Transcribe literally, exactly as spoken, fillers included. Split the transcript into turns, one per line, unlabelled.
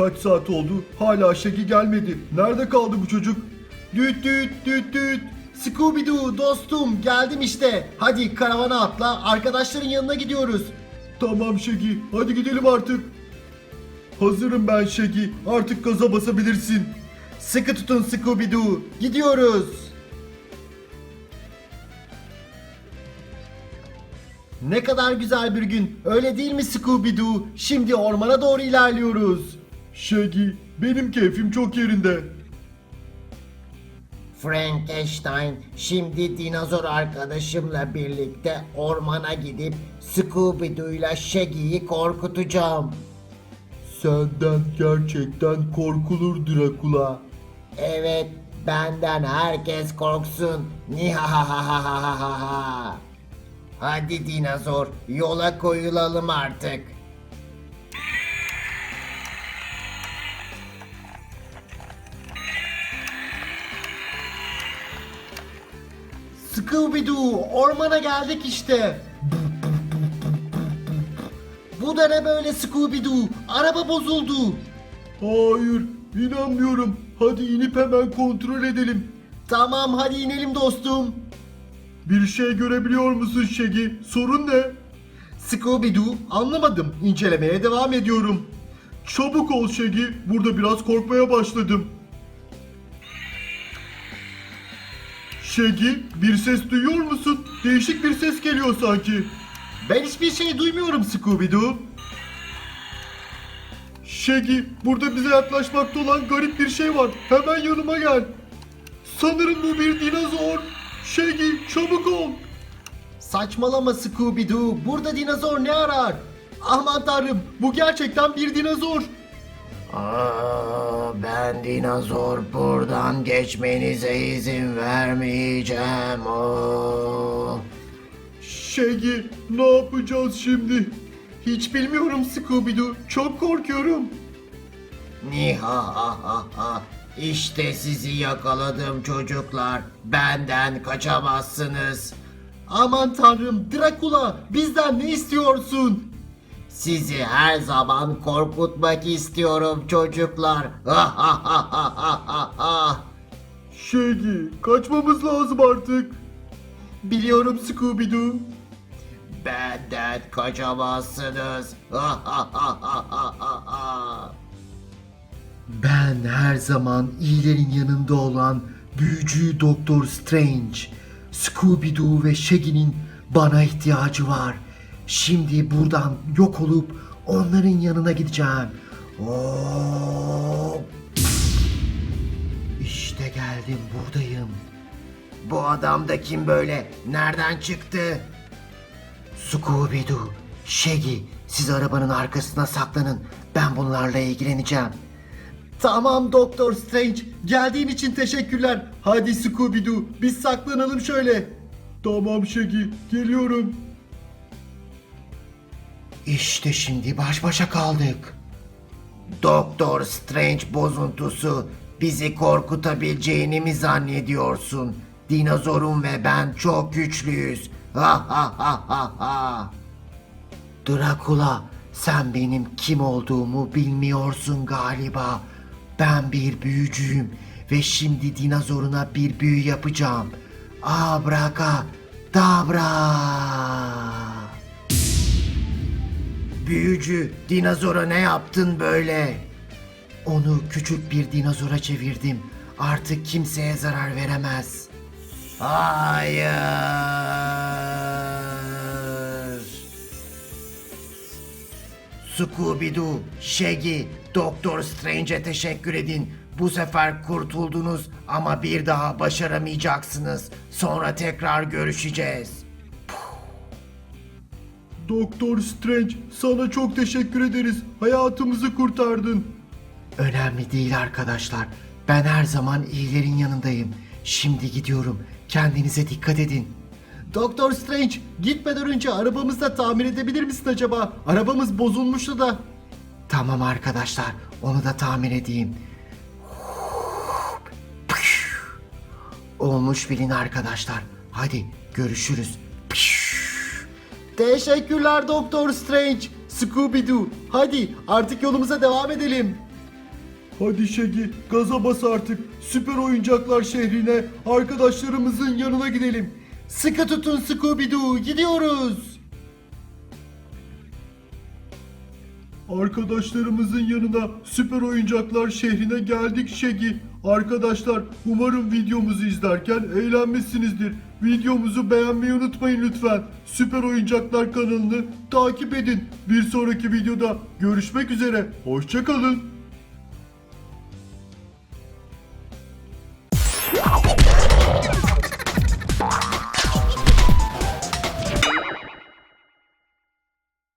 Kaç saat oldu? Hala Şeki gelmedi. Nerede kaldı bu çocuk? Düt düt düt düt. Scooby-Doo dostum geldim işte. Hadi karavana atla, arkadaşların yanına gidiyoruz. Tamam Şeki, hadi gidelim artık. Hazırım ben Şeki, artık gaza basabilirsin. Sıkı tutun Scooby-Doo, gidiyoruz. Ne kadar güzel bir gün, öyle değil mi Scooby-Doo? Şimdi ormana doğru ilerliyoruz. Shaggy, benim keyfim çok yerinde.
Frankenstein, şimdi dinozor arkadaşımla birlikte ormana gidip Scooby-Doo'yla Shaggy'yi korkutacağım.
Senden gerçekten korkulur Drakula.
Evet, benden herkes korksun. Nihahahahahaha. Hadi dinozor, yola koyulalım artık.
Scooby-Doo, ormana geldik işte.
Bu da ne böyle Scooby-Doo? Araba bozuldu.
Hayır, inanmıyorum. Hadi inip hemen kontrol edelim.
Tamam, hadi inelim dostum.
Bir şey görebiliyor musun Shaggy? Sorun ne? Scooby-Doo, anlamadım. İncelemeye devam ediyorum. Çabuk ol Shaggy, burada biraz korkmaya başladım. Shaggy, bir ses duyuyor musun? Değişik bir ses geliyor sanki. Ben hiçbir şey duymuyorum Scooby-Doo. Shaggy, burada bize yaklaşmakta olan garip bir şey var. Hemen yanıma gel. Sanırım bu bir dinozor. Shaggy, çabuk ol. Saçmalama Scooby-Doo. Burada dinozor ne arar? Aman tanrım, bu gerçekten bir dinozor.
Aa, ben dinozor, buradan geçmenize izin vermeyeceğim. Oo.
Shaggy, ne yapacağız şimdi? Hiç bilmiyorum Scooby-Doo. Çok korkuyorum.
Nihahaha. İşte sizi yakaladım çocuklar. Benden kaçamazsınız.
Aman tanrım, Drakula, bizden ne istiyorsun?
Sizi her zaman korkutmak istiyorum çocuklar.
Shaggy, kaçmamız lazım artık. Biliyorum Scooby-Doo.
Benden kaçamazsınız.
Ben her zaman iyilerin yanında olan büyücü Doktor Strange. Scooby-Doo ve Shaggy'nin bana ihtiyacı var. Şimdi buradan yok olup onların yanına gideceğim. Oo! İşte geldim, buradayım.
Bu adam da kim böyle? Nereden çıktı?
Scooby-Doo, Shaggy, siz arabanın arkasına saklanın. Ben bunlarla ilgileneceğim. Tamam Doktor Strange, geldiğin için teşekkürler. Hadi Scooby-Doo, biz saklanalım şöyle. Tamam Shaggy, geliyorum. İşte şimdi baş başa kaldık.
Doktor Strange bozuntusu, bizi korkutabileceğini mi zannediyorsun? Dinozorun ve ben çok güçlüyüz. Ha ha ha ha ha.
Drakula, sen benim kim olduğumu bilmiyorsun galiba. Ben bir büyücüyüm ve şimdi dinozoruna bir büyü yapacağım. Abrakadabra.
Büyücü, dinozora ne yaptın böyle?
Onu küçük bir dinozora çevirdim. Artık kimseye zarar veremez.
Hayır. Scooby-Doo, Shaggy, Doktor Strange'e teşekkür edin. Bu sefer kurtuldunuz ama bir daha başaramayacaksınız. Sonra tekrar görüşeceğiz.
Doktor Strange, sana çok teşekkür ederiz. Hayatımızı kurtardın. Önemli değil arkadaşlar. Ben her zaman iyilerin yanındayım. Şimdi gidiyorum. Kendinize dikkat edin. Doktor Strange, gitmeden önce arabamızı da tamir edebilir misin acaba? Arabamız bozulmuştu da. Tamam arkadaşlar, onu da tamir edeyim. Olmuş bilin arkadaşlar. Hadi görüşürüz. Teşekkürler Doktor Strange. Scooby-Doo, hadi artık yolumuza devam edelim. Hadi Şegi, gaza bas artık. Süper oyuncaklar şehrine, arkadaşlarımızın yanına gidelim. Sıkı tutun Scooby-Doo, gidiyoruz. Arkadaşlarımızın yanına, süper oyuncaklar şehrine geldik Şegi. Arkadaşlar, umarım videomuzu izlerken eğlenmişsinizdir. Videomuzu beğenmeyi unutmayın lütfen. Süper Oyuncaklar kanalını takip edin. Bir sonraki videoda görüşmek üzere. Hoşça kalın.